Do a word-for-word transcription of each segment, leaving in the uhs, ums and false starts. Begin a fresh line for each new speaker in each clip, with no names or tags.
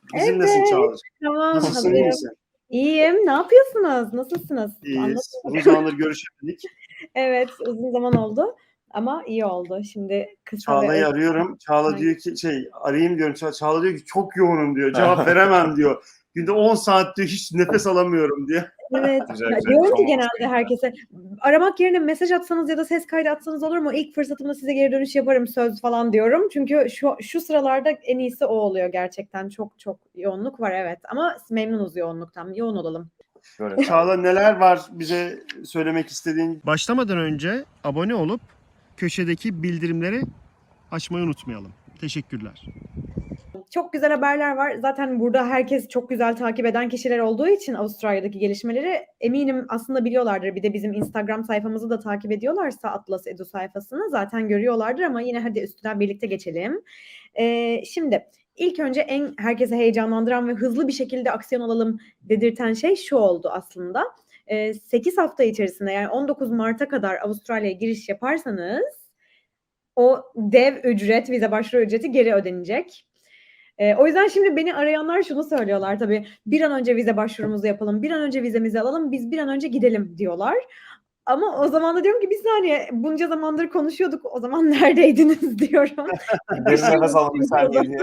Bizimlesin
Evet,
Çağla'cığım.
tamam,
Nasılsın, iyi
hazırım.
misin?
İyiyim. Ne yapıyorsunuz? Nasılsınız?
İyiyiz.
Anlatın
Uzun
bakalım.
zamandır görüşemedik.
Evet, uzun zaman oldu ama iyi oldu. Şimdi kısa ve
Çağla'yı
öz
arıyorum. Çağla
Aynen.
diyor ki şey arayayım diyorum. Ça- Çağla diyor ki çok yoğunum diyor. Cevap veremem diyor. Günde on saat diyor hiç nefes alamıyorum diyor.
Evet.
Güzel
Ya,
güzel.
diyorum ki
Son
genelde
olsun.
herkese aramak yerine mesaj atsanız ya da ses kaydı atsanız olur mu? İlk fırsatımda size geri dönüş yaparım söz falan diyorum. Çünkü şu şu sıralarda en iyisi o oluyor gerçekten. Çok çok yoğunluk var evet. Ama memnunuz yoğunluktan. Yoğun olalım.
Böyle
Çağla neler var bize söylemek istediğin?
Başlamadan önce abone olup köşedeki bildirimleri açmayı unutmayalım. Teşekkürler.
Çok güzel haberler var. Zaten burada herkes çok güzel takip eden kişiler olduğu için Avustralya'daki gelişmeleri eminim aslında biliyorlardır. Bir de bizim Instagram sayfamızı da takip ediyorlarsa Atlas Edu sayfasını zaten görüyorlardır ama yine hadi üstünden birlikte geçelim. Ee, şimdi ilk önce en herkese heyecanlandıran ve hızlı bir şekilde aksiyon alalım dedirten şey şu oldu aslında. Ee, sekiz hafta içerisinde yani on dokuz Mart'a kadar Avustralya'ya giriş yaparsanız o dev ücret, vize başvuru ücreti geri ödenecek. Ee, o yüzden şimdi beni arayanlar şunu söylüyorlar tabii. Bir an önce vize başvurumuzu yapalım, bir an önce vizemizi alalım, biz bir an önce gidelim diyorlar. Ama o zaman da diyorum ki bir saniye bunca zamandır konuşuyorduk o zaman neredeydiniz diyorum.
Derin nefes alın bir saniye diye.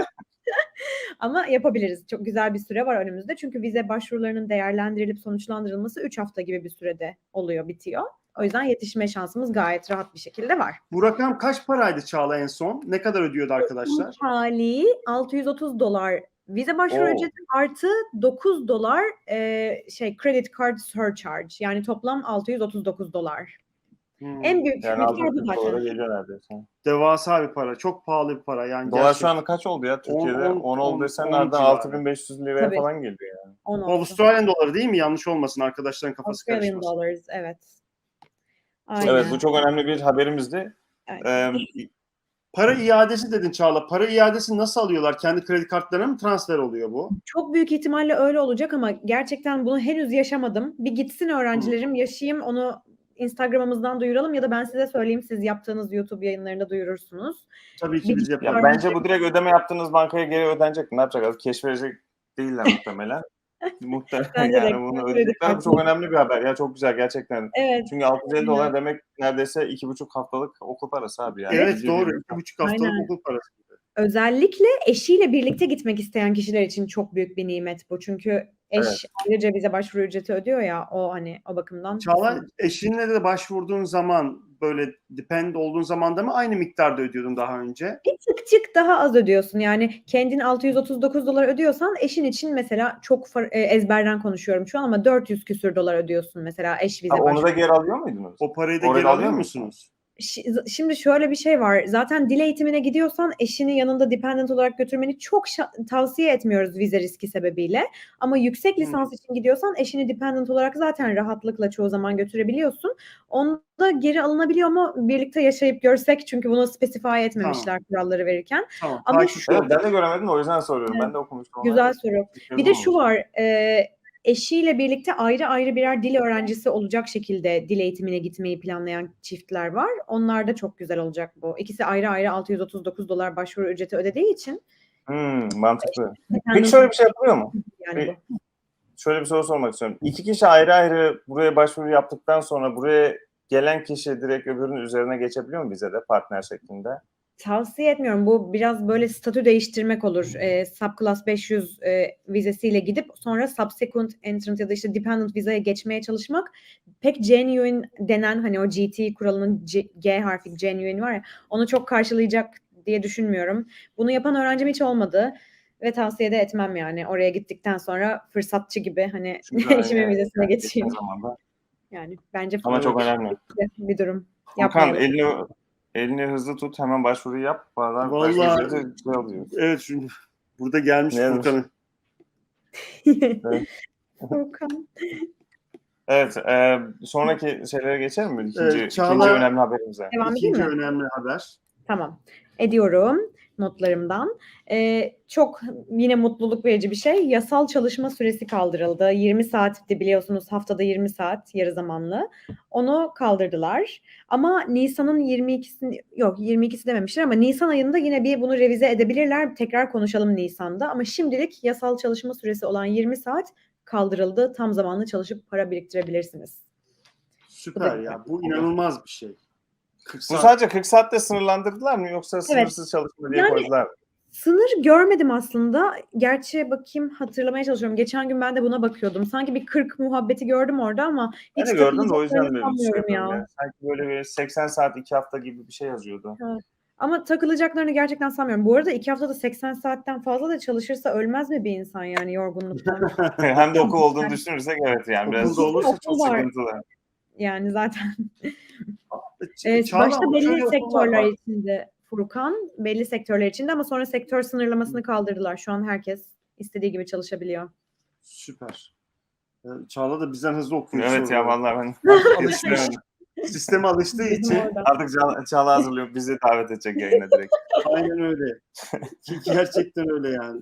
Ama yapabiliriz. Çok güzel bir süre var önümüzde. Çünkü vize başvurularının değerlendirilip sonuçlandırilması üç hafta gibi bir sürede oluyor, bitiyor. O yüzden yetişme şansımız gayet rahat bir şekilde var.
Bu rakam kaç paraydı Çağla en son? Ne kadar ödüyordu arkadaşlar?
Hali altı yüz otuz dolar vize başvuru
Oo.
ücreti artı dokuz dolar e, şey credit card surcharge yani toplam altı yüz otuz dokuz dolar.
Hmm.
En büyük
Yani
miktar
altı
bu
yüz dolara
zaten.
geliyor neredeyse.
Devasa bir para. Çok pahalı bir para. Yani
Dolar
gerçekten.
şu anda kaç oldu ya Türkiye'de?
on,
on
on,
oldu desen
on
nereden
civarı.
altı bin beş yüz liraya
Tabii.
falan geliyor yani.
on
Bu
oldu.
Avustralyan doları değil mi? Yanlış olmasın arkadaşların kafası
Australian
karışmasın.
dollars evet. Aynen.
Evet bu çok önemli bir haberimizdi.
Aynen.
Ee,
Para iadesi dedin Çağla. Para iadesi nasıl alıyorlar? Kendi kredi kartlarına mı transfer oluyor bu?
Çok büyük ihtimalle öyle olacak ama gerçekten bunu henüz yaşamadım. Bir gitsin öğrencilerim, yaşayayım, onu Instagram'ımızdan duyuralım ya da ben size söyleyeyim, siz yaptığınız YouTube yayınlarında duyurursunuz.
Tabii ki
Bir
biz
ya
yaparız.
bence bu direkt ödeme yaptığınız bankaya geri ödenecek. Ne yapacak? Keş verecek değiller muhtemelen. Muhtemelen
Bence
yani
de.
bunu
Kredi
ödeyecekler. Bu
kartı.
çok önemli bir haber. Ya çok güzel gerçekten.
Evet.
Çünkü altı yüz elli
Aynen.
dolar demek neredeyse iki buçuk haftalık okul parası abi yani.
Evet
Bir-
doğru.
bir-
İki buçuk haftalık
Aynen.
okul parası.
Özellikle eşiyle birlikte gitmek isteyen kişiler için çok büyük bir nimet bu. Çünkü eş
Evet.
ayrıca bize başvuru ücreti ödüyor ya, o hani o bakımdan.
Çağla
kesin.
eşinle de başvurduğun zaman böyle depend olduğun zaman da mı aynı miktarda ödüyordun daha önce?
Bir tık tık daha az ödüyorsun. Yani kendin altı yüz otuz dokuz dolar ödüyorsan eşin için mesela çok far- e, ezberden konuşuyorum şu an ama dört yüz küsür dolar ödüyorsun mesela eş vize
Ha, onu da
başvuru.
geri alıyor muydunuz?
O parayı da
Orada
geri
alıyor
alıyor
musun?
musunuz?
Şi- Şimdi şöyle bir şey var. Zaten dil eğitimine gidiyorsan eşini yanında dependent olarak götürmeni çok şa- tavsiye etmiyoruz vize riski sebebiyle. Ama yüksek lisans için gidiyorsan eşini dependent olarak zaten rahatlıkla çoğu zaman götürebiliyorsun. Onda geri alınabiliyor mu? Birlikte yaşayıp görsek çünkü bunu specify etmemişler kuralları verirken.
Tamam.
Ama
takipte
şu-
Evet
olacağız.
ben de göremedim de o yüzden soruyorum.
Evet.
Ben de okumuştum.
Güzel
onları.
soru.
Bir
Bir de
yazım
şu
olmuş.
var. E, eşiyle birlikte ayrı ayrı birer dil öğrencisi olacak şekilde dil eğitimine gitmeyi planlayan çiftler var. Onlar da çok güzel olacak bu. İkisi ayrı ayrı altı yüz otuz dokuz dolar başvuru ücreti ödediği için.
Hmm, mantıklı.
Dependent
Peki şöyle bir şey yapılıyor mu?
yani bu.
Şöyle bir soru sormak istiyorum. İki kişi ayrı ayrı buraya başvuru yaptıktan sonra buraya gelen kişi direkt öbürünün üzerine geçebiliyor mu bize de partner şeklinde?
Tavsiye etmiyorum. Bu biraz böyle statü değiştirmek olur. E, Subclass beş yüz e, vizesiyle gidip sonra subsequent entrant ya da işte dependent vizeye geçmeye çalışmak pek genuine denen hani o G T kuralının G, G harfi genuine var ya onu çok karşılayacak diye düşünmüyorum. Bunu yapan öğrencim hiç olmadı ve tavsiye de etmem yani. Oraya gittikten sonra fırsatçı gibi hani
Çünkü
eşimin
evet,
vizesine
yani
geçeyim.
geçen zamanda.
Yani bence
Ama çok önemli.
bir durum.
Furkan
Yapmayalım.
elini elini hızlı tut hemen başvuruyu yap. Bazen
Vallahi-
başvuru ücreti şey alıyoruz.
Evet şimdi burada gelmiş
Ne yazmış?
Furkan'ın.
Furkan.
Evet, e, sonraki şeylere geçelim mi? İkinci,
Evet, Çağla-
ikinci önemli haberimize.
Devam edeyim
İkinci
mi?
önemli haber.
Tamam. Ediyorum. notlarımdan. Ee, çok yine mutluluk verici bir şey. Yasal çalışma süresi kaldırıldı. yirmi saatti biliyorsunuz, haftada yirmi saat yarı zamanlı. Onu kaldırdılar. Ama Nisan'ın yirmi ikisi yok yirmi ikisi dememişler ama Nisan ayında yine bir bunu revize edebilirler. Tekrar konuşalım Nisan'da. Ama şimdilik yasal çalışma süresi olan yirmi saat kaldırıldı. Tam zamanlı çalışıp para biriktirebilirsiniz.
Süper ya. Bu inanılmaz bir şey. kırk
Bu
saat.
sadece kırk saatte sınırlandırdılar mı yoksa sınırsız çalışma diye
Yani-
koydular mı?
Sınır görmedim aslında. Gerçi bakayım, hatırlamaya çalışıyorum. Geçen gün ben de buna bakıyordum. Sanki bir kırk muhabbeti gördüm orada ama
Ben
hiç
de gördüm de o yüzden
takılacaklarını
böyle
sanmıyorum
söylüyorum
ya.
ya. Sanki böyle bir seksen saat iki hafta gibi bir şey yazıyordu.
Ama takılacaklarını gerçekten sanmıyorum. Bu arada iki haftada seksen saatten fazla da çalışırsa ölmez mi bir insan yani yorgunluktan?
Hem de okul olduğunu düşünürsek evet yani biraz
Okulda olursa çok
Okul var.
sıkıntılı.
Yani zaten.
Ç-
Ee,
Çağla,
başta
ama
belli
şöyle okullar
sektörler
var.
içinde Furkan, belli sektörler içinde ama sonra sektör sınırlamasını kaldırdılar. Şu an herkes istediği gibi çalışabiliyor.
Süper. Ee, Çağla da bizden hızlı okuyor
Evet ya
soruları.
vallahi ben
Alışmış.
yetiştiremedim.
Sisteme alıştığı
Bizim
için
orada.
Artık Çağla, Çağla hazırlıyor. Bizi davet edecek yayına direkt.
aynen öyle. Ki- Gerçekten öyle yani.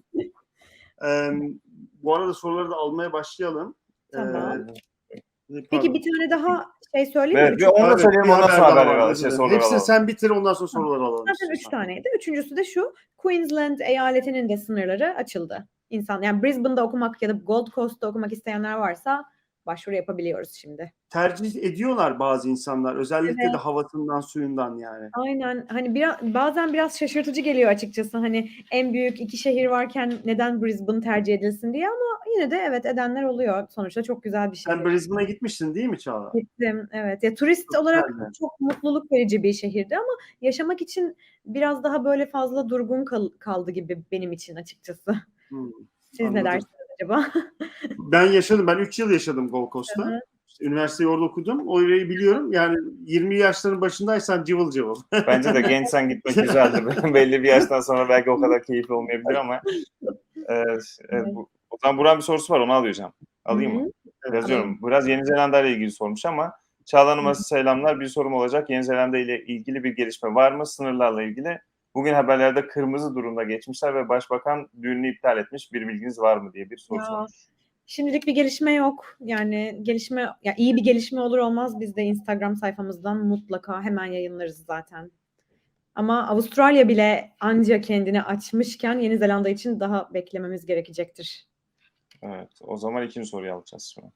Ee, bu arada soruları da almaya başlayalım.
Tamam.
Ee,
Peki
pardon.
bir tane daha şey söyleyeyim
Evet
mi?
bir
Çok-
onu da
Evet,
söyleyelim
bir
ondan sonra
haber daha
haber
var,
alalım.
özür
Şey,
dilerim.
soruları
Hepsini
alalım.
sen bitir, ondan sonra soruları alalım.
Zaten üç
istiyorsan.
taneydi. Üçüncüsü de şu. Queensland eyaletinin de sınırları açıldı. İnsan yani Brisbane'da okumak ya da Gold Coast'ta okumak isteyenler varsa başvuru yapabiliyoruz şimdi.
Tercih ediyorlar bazı insanlar. Özellikle
Evet.
de havasından, suyundan yani.
Aynen, hani biraz bazen biraz şaşırtıcı geliyor açıkçası, hani en büyük iki şehir varken neden Brisbane tercih edilsin diye, ama yine de evet edenler oluyor. Sonuçta çok güzel bir şehir.
Sen Brisbane'a gitmiştin değil mi Çağla?
Gittim, evet. Ya turist
Çok
olarak
güzeldi.
çok mutluluk verici bir şehirdi ama yaşamak için biraz daha böyle fazla durgun kal- kaldı gibi benim için açıkçası.
Hmm,
Siz ne
anladım.
dersiniz acaba?
Ben yaşadım. Ben üç yıl yaşadım Gold
Hı
Coast'ta.
hı.
İşte üniversiteyi orada okudum. Orayı biliyorum. Yani yirmi yaşların başındaysan cıvıl cıvıl.
Bence de gençsen gitmek güzeldir. Belli bir yaştan sonra belki o kadar keyifli olmayabilir ama evet, evet, bu, o zaman Burak'ın bir sorusu var onu alacağım. Alayım
Hı
mı?
hı.
Yazıyorum. Biraz Yeni Zelanda ile ilgili sormuş ama Çağla Hanım'a selamlar. Bir sorum olacak. Yeni Zelanda ile ilgili bir gelişme var mı? Sınırlarla ilgili. Bugün haberlerde kırmızı durumda geçmişler ve Başbakan düğünü iptal etmiş. Bir bilginiz var mı diye bir soru
Ya,
sormuş.
Şimdilik bir gelişme yok. Yani gelişme, ya iyi bir gelişme olur olmaz biz de Instagram sayfamızdan mutlaka hemen yayınlarız zaten. Ama Avustralya bile anca kendini açmışken Yeni Zelanda için daha beklememiz gerekecektir.
Evet. O zaman ikinci soruyu alacağız şimdi.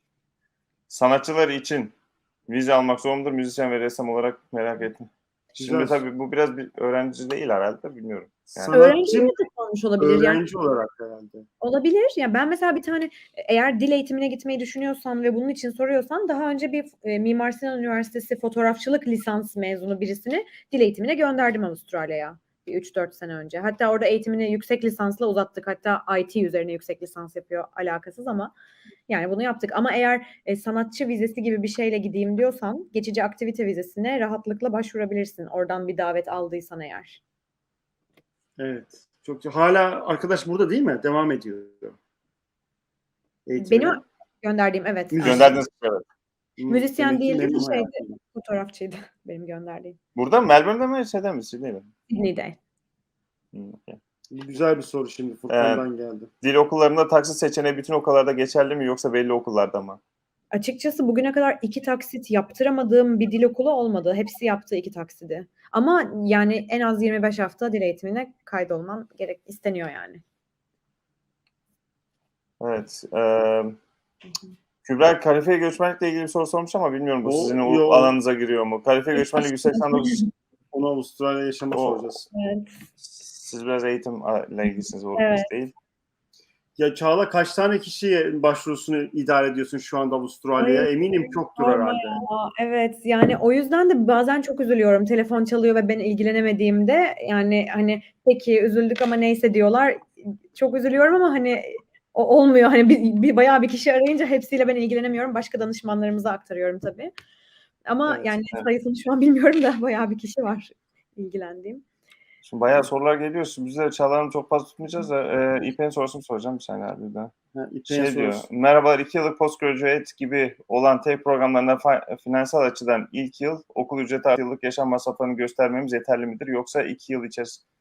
Sanatçılar için vize almak zor mudur? Müzisyen ve ressam olarak merak ettim. Şimdi
Güzel.
tabii bu biraz bir öğrenci değil herhalde bilmiyorum. Yani-
Öğrencilere
Sanatçı
de olmuş olabilir. Yani
öğrenci olarak herhalde.
olabilir. Ya ben mesela bir tane, eğer dil eğitimine gitmeyi düşünüyorsan ve bunun için soruyorsan, daha önce bir e, Mimar Sinan Üniversitesi fotoğrafçılık lisans mezunu birisini dil eğitimine gönderdim Avustralya'ya. Bir üç dört sene önce. Hatta orada eğitimini yüksek lisansla uzattık. Hatta I T üzerine yüksek lisans yapıyor. Alakasız ama yani bunu yaptık. Ama eğer e, sanatçı vizesi gibi bir şeyle gideyim diyorsan, geçici aktivite vizesine rahatlıkla başvurabilirsin. Oradan bir davet aldıysan eğer.
Evet. Çok hala arkadaş burada değil mi? Devam ediyor. Eğitimine.
Benim gönderdiğim, evet.
Müzisyen.
Gönderdiniz evet.
Hmm,
Müzisyen
demek ki
değildi de
memnun
şeydi.
hayatından.
Fotoğrafçıydı benim gönderdiğim.
Burada mı? Melbourne'de mi? Şeyde mi? Sydney'de mi?
Sydney'de.
Hmm, okay.
Bu güzel bir soru şimdi Furkan'dan geldi.
Dil okullarında taksit seçeneği bütün okullarda geçerli mi yoksa belli okullarda mı?
Açıkçası bugüne kadar iki taksit yaptıramadığım bir dil okulu olmadı. Hepsi yaptı iki taksidi. Ama yani en az yirmi beş hafta dil eğitimine kaydolman gerek isteniyor yani.
Evet. E, Kübra kalifiye göçmenlikle ilgili bir soru sormuş ama bilmiyorum bu
O,
sizin o
yo.
alanınıza giriyor mu? Kalifiye göçmenlik yüz seksen dokuz.
Onu Avustralya yaşama
O-
soracağız.
Evet.
Siz biraz eğitimle ilgilisiniz o
Evet.
biz değil.
Ya Çağla, kaç tane kişiye başvurusunu idare ediyorsun şu anda Avustralya'ya?
Ay,
Eminim çoktur
sorma
herhalde.
Aa, evet, yani o yüzden de bazen çok üzülüyorum. Telefon çalıyor ve ben ilgilenemediğimde, yani hani peki üzüldük ama neyse diyorlar. Çok üzülüyorum ama hani o olmuyor. Hani bir, bir bayağı bir kişi arayınca hepsiyle ben ilgilenemiyorum. Başka danışmanlarımıza aktarıyorum tabii. Ama
Evet,
yani
evet.
sayısını şu an bilmiyorum da bayağı bir kişi var ilgilendiğim.
Şimdi bayağı sorular geliyor. Şimdi biz de Çağla Hanım çok fazla tutmayacağız da e, İpek'in sorusunu soracağım bir saniye abi daha.
Ha, İpek'in
Şey diyor,
sorusu.
merhabalar iki yıllık postgraduate gibi olan tek programlarında fa- finansal açıdan ilk yıl okul ücreti artı yıllık yaşam masraflarını göstermemiz yeterli midir? Yoksa iki yıl içerisinde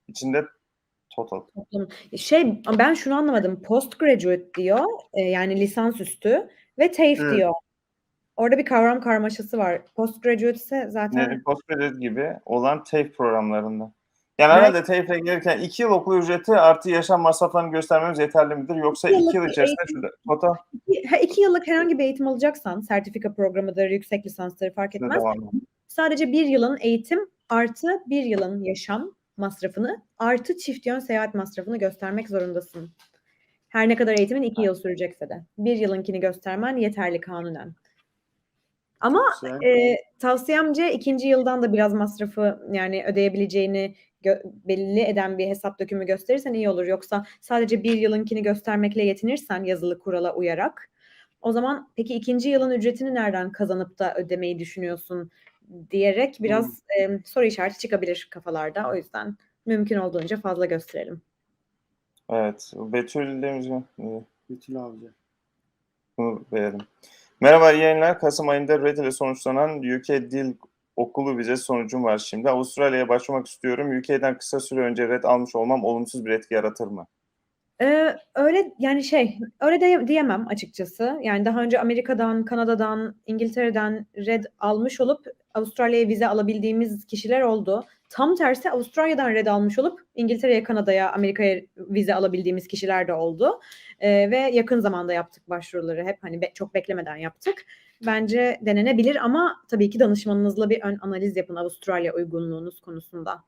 içinde total.
Toplam. Şey ben şunu anlamadım. Postgraduate diyor. e, yani lisansüstü ve TAFE
Evet.
diyor. Orada bir kavram karmaşası var. Postgraduate ise zaten
Yani postgraduate gibi olan TAFE programlarında. Yani
belki
herhalde TAFE'e gelirken iki yıl okul ücreti artı yaşam masraflarını göstermemiz yeterli midir? Yoksa
iki
iki
yıllık
yıl
bir
içerisinde
eğitim,
şurada total
iki, ha, iki yıllık herhangi bir eğitim alacaksan, sertifika programıdır, yüksek lisansları fark
şurada
etmez.
devam ediyor.
Sadece bir yılın eğitim artı bir yılın yaşam masrafını artı çift yön seyahat masrafını göstermek zorundasın. Her ne kadar eğitimin iki yıl sürecekse de. Bir yılınkini göstermen yeterli kanunen. Ama
Çok güzel.
e, tavsiyemce ikinci yıldan da biraz masrafı yani ödeyebileceğini gö- belli eden bir hesap dökümü gösterirsen iyi olur. Yoksa sadece bir yılınkini göstermekle yetinirsen yazılı kurala uyarak o zaman peki ikinci yılın ücretini nereden kazanıp da ödemeyi düşünüyorsun diyerek biraz e, soru işareti çıkabilir kafalarda. O yüzden mümkün olduğunca fazla gösterelim.
Evet. Betül demiş mi? İyi,
Betül Avcı.
bunu verelim. Merhaba, iyi yayınlar. Kasım ayında Red ile sonuçlanan U K Dil Okulu vizesi sonucum var şimdi. Avustralya'ya başvurmak istiyorum. U K'den kısa süre önce red almış olmam olumsuz bir etki yaratır mı?
Ee, öyle yani şey öyle de diyemem açıkçası. Yani daha önce Amerika'dan, Kanada'dan, İngiltere'den red almış olup Avustralya'ya vize alabildiğimiz kişiler oldu. Tam tersi Avustralya'dan red almış olup İngiltere'ye, Kanada'ya, Amerika'ya vize alabildiğimiz kişiler de oldu. Ee, ve yakın zamanda yaptık başvuruları hep hani be- çok beklemeden yaptık. Bence denenebilir ama tabii ki danışmanınızla bir ön analiz yapın Avustralya uygunluğunuz konusunda.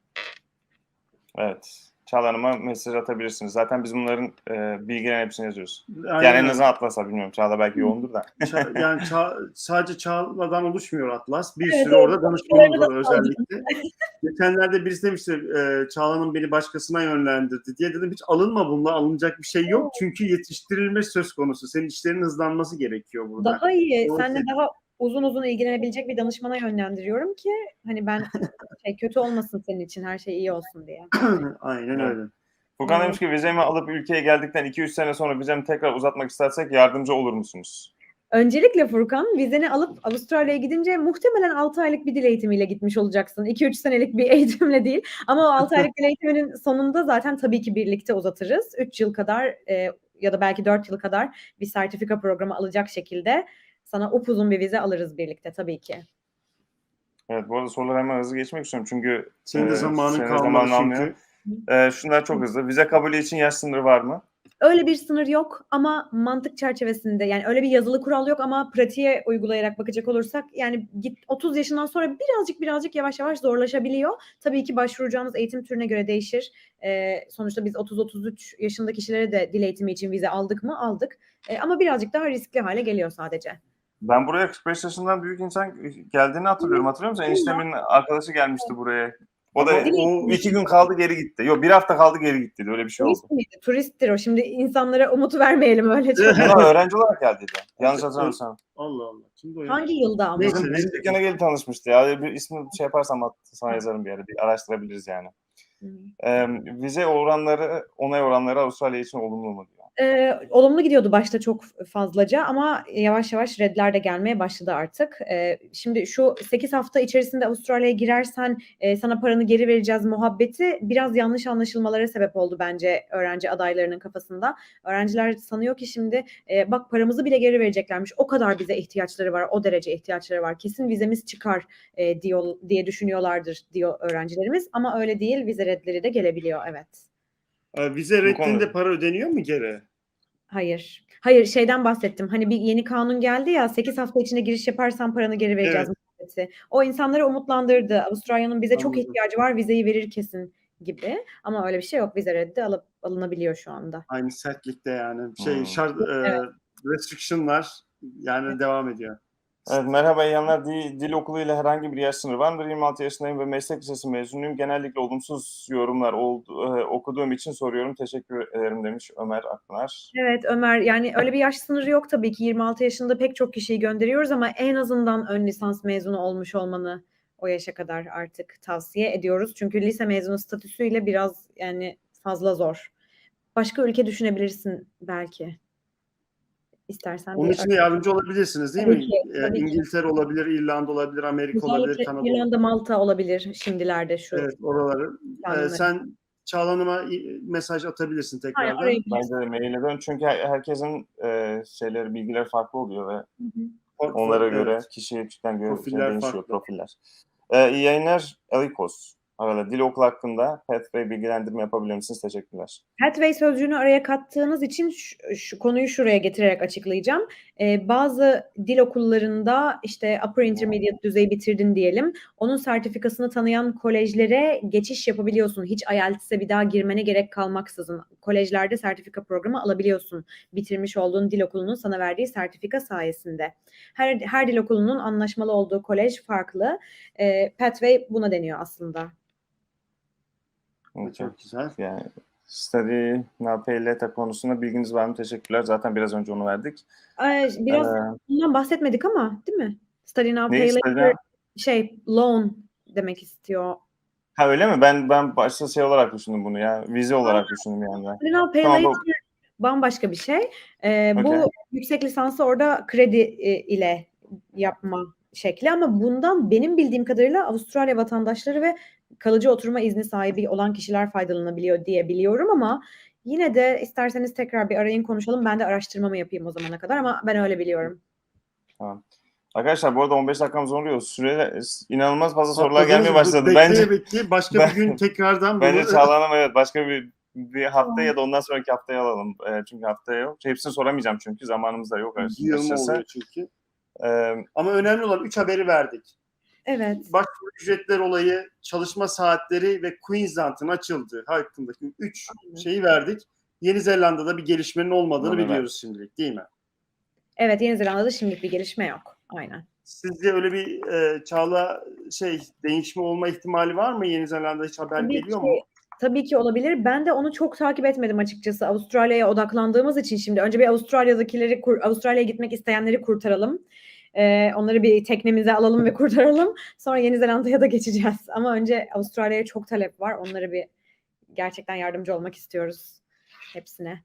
Evet. Çağla Hanım'a mesaj atabilirsiniz. Zaten biz bunların e, bilgilerin hepsini yazıyoruz.
Aynen
Yani en
öyle.
azından Atlas'a bilmiyorum. Çağla belki yoğundur da.
Ça- yani ça- sadece Çağla'dan oluşmuyor Atlas. Bir
Evet,
sürü
evet.
orada danışmanımız var özellikle. Geçenlerde birisi demişti e, Çağla'nın beni başkasına yönlendirdi diye. Dedim hiç alınma bununla, alınacak bir şey yok. Çünkü yetiştirilme söz konusu. Senin işlerin hızlanması gerekiyor burada.
Daha iyi,
Doğru.
seninle daha uzun uzun ilgilenebilecek bir danışmana yönlendiriyorum ki hani ben şey kötü olmasın senin için, her şey iyi olsun diye.
Aynen
Evet.
öyle.
Furkan
Evet.
demiş ki vizemi alıp ülkeye geldikten iki üç sene sonra vizemi tekrar uzatmak istersek yardımcı olur musunuz?
Öncelikle Furkan, vizeni alıp Avustralya'ya gidince muhtemelen altı aylık bir dil eğitimiyle gitmiş olacaksın. iki üç senelik bir eğitimle değil. Ama o altı aylık dil eğitiminin sonunda zaten tabii ki birlikte uzatırız. üç yıl kadar e, ya da belki dört yıl kadar bir sertifika programı alacak şekilde sana upuzun bir vize alırız birlikte tabii ki.
Evet, bu arada soruları hemen hızlı geçmek istiyorum çünkü
Senin de
e,
zamanın
senin
kalmadı
zamanını
çünkü.
almıyor. E, şunlar çok hızlı. Vize kabulü için yaş sınırı var mı?
Öyle bir sınır yok ama mantık çerçevesinde yani öyle bir yazılı kural yok ama pratiğe uygulayarak bakacak olursak yani git otuz yaşından sonra birazcık birazcık yavaş yavaş zorlaşabiliyor. Tabii ki başvuracağınız eğitim türüne göre değişir. Ee, sonuçta biz otuz otuz üç yaşında kişilere de dil eğitimi için vize aldık mı? Aldık. Ee, ama birazcık daha riskli hale geliyor sadece.
Ben buraya kırk beş yaşından büyük insan geldiğini hatırlıyorum. Hatırlıyor musun? Eniştemin arkadaşı gelmişti buraya. O da
Ama o
iki gün kaldı geri gitti. Yok bir hafta kaldı geri gitti. Öyle bir şey oldu.
Turist miydi? Turisttir o. Şimdi insanlara umut vermeyelim öyle çok.
Ama öğrenci olarak geldiydi. Yanlış hatırlamıyorsam.
Allah Allah. Kimdi o ya?
Hangi yılda ama?
Neyse,
Bizim, bizim dükkana gelip tanışmıştı ya. Bir ismini şey yaparsam at- sana yazarım bir yere. Bir araştırabiliriz yani.
Hı.
Ee, vize oranları, onay oranları Avustralya için olumlu mu diyor.
Ee, olumlu gidiyordu başta çok fazlaca ama yavaş yavaş redler de gelmeye başladı artık. Ee, şimdi şu sekiz hafta içerisinde Avustralya'ya girersen e, sana paranı geri vereceğiz muhabbeti biraz yanlış anlaşılmalara sebep oldu bence öğrenci adaylarının kafasında. Öğrenciler sanıyor ki şimdi e, bak paramızı bile geri vereceklermiş. O kadar bize ihtiyaçları var, o derece ihtiyaçları var. Kesin vizemiz çıkar e, diyor diye düşünüyorlardır diyor öğrencilerimiz ama öyle değil. Vize redleri de gelebiliyor, evet.
Ee, Vize
Bu
reddinde
konuda-
para ödeniyor mu geri?
Hayır. Hayır şeyden bahsettim. Hani bir yeni kanun geldi ya sekiz hafta içinde giriş yaparsan paranı geri vereceğiz
Evet.
muhabbeti. O insanları umutlandırdı. Avustralya'nın bize çok
Anladım.
ihtiyacı var. Vizeyi verir kesin gibi. Ama öyle bir şey yok. Vize reddi alıp alınabiliyor şu anda.
Aynı sertlikte yani. Şey
Hmm.
şart e,
Evet.
restriction'lar yani devam ediyor.
Evet, merhaba iyi yayınlar. Dil, dil okulu ile herhangi bir yaş sınırı var mıdır? yirmi altı yaşındayım ve meslek lisesi mezunuyum. Genellikle olumsuz yorumlar oldu, e, okuduğum için soruyorum. Teşekkür ederim demiş Ömer Akpınar.
Evet Ömer yani öyle bir yaş sınırı yok tabii ki. yirmi altı yaşında pek çok kişiyi gönderiyoruz ama en azından ön lisans mezunu olmuş olmanı o yaşa kadar artık tavsiye ediyoruz. Çünkü lise mezunu statüsüyle biraz yani fazla zor. Başka ülke düşünebilirsin belki. İstersen
Onun
bir
için de yardımcı olabilirsiniz değil
Tabii
mi?
ki,
Ee,
tabii ki.
İngiltere olabilir, İrlanda olabilir, Amerika olabilir,
özellikle
Kanada olabilir.
İrlanda, Malta olabilir şimdilerde şu
Evet, oraları. Ee,
planları.
sen Çağla Hanım'a mesaj atabilirsin
Aynen,
tekrardan.
arayabilirsin.
Bence de maile dön çünkü her- herkesin e, şeyleri, bilgileri farklı oluyor ve
Hı hı.
Or-
onlara
evet.
göre kişiden göre
Profiller
değişiyor
farklı.
profiller. Ee, iyi yayınlar Elikos. Arada dil okulu hakkında Pathway bilgilendirme yapabilir misiniz? Teşekkürler.
Pathway sözcüğünü araya kattığınız için şu, şu konuyu şuraya getirerek açıklayacağım. Ee, bazı dil okullarında işte upper intermediate düzeyi bitirdin diyelim. Onun sertifikasını tanıyan kolejlere geçiş yapabiliyorsun. Hiç I E L T S'e bir daha girmene gerek kalmaksızın. Kolejlerde sertifika programı alabiliyorsun. Bitirmiş olduğun dil okulunun sana verdiği sertifika sayesinde. Her, her dil okulunun anlaşmalı olduğu kolej farklı. Ee, Pathway buna deniyor aslında.
Okay.
Çok güzel.
Yani study now pay later konusunda bilginiz var mı? Teşekkürler. Zaten biraz önce onu verdik.
Ay, biraz
Ee,
bundan bahsetmedik ama değil mi? Study now,
neyi
pay
study
later
now?
şey loan demek istiyor.
Ha öyle mi? Ben ben başta şey olarak düşündüm bunu ya. Vize olarak düşündüm yani.
Study now, pay
Tamam, bu-
later bambaşka bir şey. Ee,
Okey.
Bu yüksek lisansı orada kredi e, ile yapma şekli ama bundan benim bildiğim kadarıyla Avustralya vatandaşları ve kalıcı oturma izni sahibi olan kişiler faydalanabiliyor diye biliyorum ama yine de isterseniz tekrar bir arayın konuşalım. Ben de araştırmamı yapayım o zamana kadar ama ben öyle biliyorum.
Tamam. Arkadaşlar bu arada on beş dakikamız oluyor. Süreyle inanılmaz fazla sorular
Atladınız
gelmeye
mı?
başladı.
Bekleye
Bence
bekleye başka
Ben-
bir gün tekrardan bunu...
bence Çağla Hanım evet başka bir bir hafta ya da ondan sonraki haftaya alalım. E, çünkü haftaya yok. Hepsini soramayacağım çünkü zamanımız da yok
Yığılma
açıkçası.
oluyor çünkü.
E,
Ama önemli olan üç haberi verdik.
Evet.
Başvuru ücretler olayı, çalışma saatleri ve Queensland'ın açıldığı hakkındaki üç şeyi verdik. Yeni Zelanda'da bir gelişmenin olmadığını
Olmadı,
biliyoruz şimdilik değil mi?
Evet, Yeni Zelanda'da şimdilik bir gelişme yok. Aynen.
Sizce öyle bir e, Çağla şey değişme olma ihtimali var mı? Yeni Zelanda'da hiç haber
Tabii
geliyor
ki,
mu?
tabii ki olabilir. Ben de onu çok takip etmedim açıkçası. Avustralya'ya odaklandığımız için şimdi önce bir Avustralya'dakileri, kur- Avustralya'ya gitmek isteyenleri kurtaralım. Ee, onları bir teknemize alalım ve kurtaralım. Sonra Yeni Zelanda'ya da geçeceğiz. Ama önce Avustralya'ya çok talep var. Onlara bir gerçekten yardımcı olmak istiyoruz hepsine.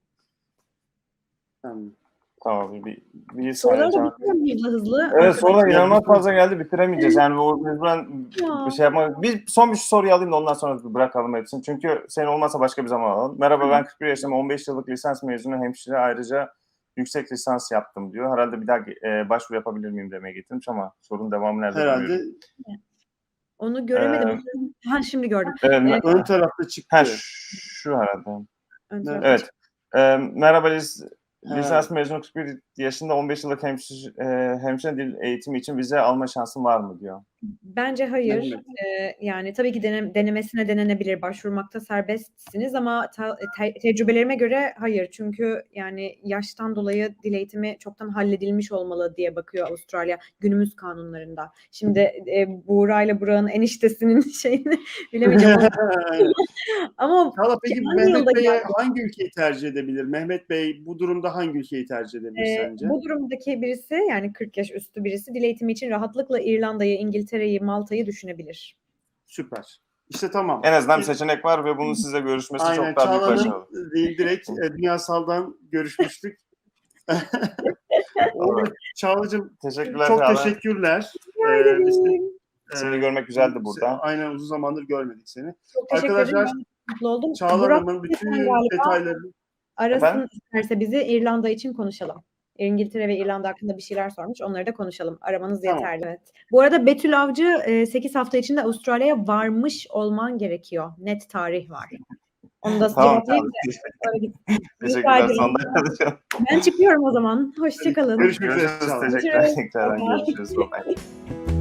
Tamam.
tamam bir, bir
Soruları
saniye.
da bitirelim hızlı hızlı.
Evet sorular
Ya,
inanılmaz
bütün-
fazla geldi bitiremeyeceğiz. Yani o mecburen
Ya.
bir şey yapmak. Bir son bir soruyu alayım da ondan sonra bırakalım hepsini. Çünkü senin olmazsa başka bir zaman alalım. Merhaba ben kırk bir yaşındayım. on beş yıllık lisans mezunu hemşire ayrıca yüksek lisans yaptım diyor. Herhalde bir daha e, başvuru yapabilir miyim demeye getirmiş ama sorunun devamı nerede?
Herhalde
bilmiyorum.
Onu göremedim. Ha, şimdi gördüm.
Evet,
Evet.
ön tarafta çıktı.
ha, şu herhalde.
Ön tarafta
Evet. Ee, merhaba lis,
Ha.
lisans mezunu kırk bir yaşında on beş yıllık hemşire, e, hemşire dil eğitimi için vize alma şansın var mı diyor.
Bence hayır.
Evet.
Ee, yani tabii ki denem- denemesine denenebilir. Başvurmakta serbestsiniz ama ta- te- tecrübelerime göre hayır. Çünkü yani yaştan dolayı dil eğitimi çoktan halledilmiş olmalı diye bakıyor Avustralya günümüz kanunlarında. Şimdi e, Buğra ile Burak'ın eniştesinin şeyini bilemeyeceğim
Aynen.
ama
Çağla peki
hangi
Mehmet
yolda
Bey
geldi?
hangi ülkeyi tercih edebilir? Mehmet Bey bu durumda hangi ülkeyi tercih edebilir
Ee,
sence?
bu durumdaki birisi yani kırk yaş üstü birisi dil eğitimi için rahatlıkla İrlanda'yı, İngiltere'yi, Malta'yı düşünebilir.
Süper. İşte tamam.
En azından bir
Biz-
seçenek var ve bunun sizle görüşmesi
Aynen
çok daha büyük başarı.
Çağla'nın değil direkt e, Dünya Sal'dan görüşmüştük. Olur. Çağla'cığım
Teşekkürler
çok
Çağla.
teşekkürler.
Rica
Ee,
ederim.
biz de,
Seni
e,
görmek güzeldi burada.
Aynen uzun zamandır görmedik seni.
Çok teşekkür
Arkadaşlar,
ederim. Ben mutlu oldum.
Çağla
Burak
Hanım'ın bütün
lütfen galiba
detaylarını
arasın
Efendim?
isterse bizi İrlanda için konuşalım. İngiltere ve İrlanda hakkında bir şeyler sormuş. Onları da konuşalım. Aramanız
Tamam.
yeterli. Evet. Bu arada Betül Avcı e, sekiz hafta içinde Avustralya'ya varmış olman gerekiyor. Net tarih var. Onu da
Tamam,
cevaplayayım
tamam.
da öyle git. Rica
Teşekkürler.
ederim.
Son dakikada.
Ben çıkıyorum o zaman. Hoşçakalın.
görüşmek üzere.
Görüşürüz.
Çağla.
Teşekkürler.
Görüşürüz.
Tekrardan
Bye bye.
görüşürüz. Bye bye.